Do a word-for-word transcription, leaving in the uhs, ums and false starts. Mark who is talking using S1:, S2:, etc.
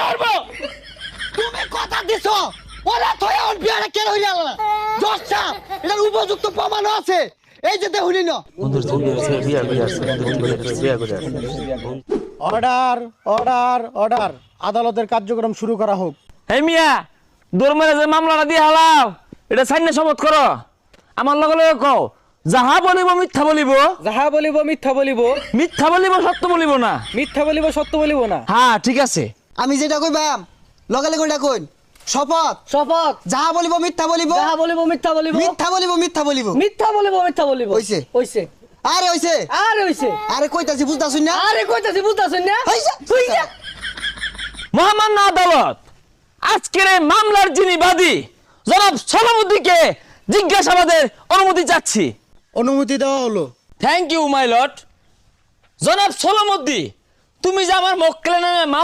S1: মারবো।
S2: তুমি কথা দিছো ওরা তো এখন বিয়ারে কেন হইলা না জচ্চা এটার উপযুক্ত প্রমাণ আছে এই যে দেখুনি না
S3: বন্ধুর ছবি আছে বিয়া করে আসছে বন্ধুর ছবি বিয়া করে আসছে
S4: অর্ডার অর্ডার অর্ডার আদালতের কার্যক্রম শুরু করা হোক।
S1: এই মিয়া দৌড় যে মামলাটা দিয়ে হালাও এটা সাইনে শপথ করো আমার লগে লগে কও যাহা বলিব মিথ্যা বলিব
S5: যাহা বলিব মিথ্যা বলিব
S1: মিথ্যা বলিব সত্য বলিব না
S5: মিথ্যা বলিব সত্য বলিব না।
S1: হ্যাঁ ঠিক আছে
S2: আমি যেটা কইবাম লগে লগে ওটা কইন শপথ
S5: শপথ
S2: যাহা বলিব মিথ্যা বলিব
S5: যাহা বলিব মিথ্যা বলিব
S2: মিথ্যা বলিব মিথ্যা বলিব
S5: মিথ্যা বলিব মিথ্যা বলিব
S2: হইছে।
S5: হইছে
S2: আরে হইছে
S5: আরে হইছে
S2: আরে কইতাছি বুঝতাছুন না
S5: আরে কইতাছি বুঝতাছেন না
S2: হইছে
S5: হইছে।
S1: মহামান্য আদালত আজকের এই মামলার যিনি বাদী জনাব সলামুদ্দিনকে জিজ্ঞাসাবাদের অনুমতি চাচ্ছি।
S4: অনুমতি দেওয়া হলো।
S1: Thank you my lord. জনাব সলামুদ্দিন তুমি যে আমার মক্কেলের নামে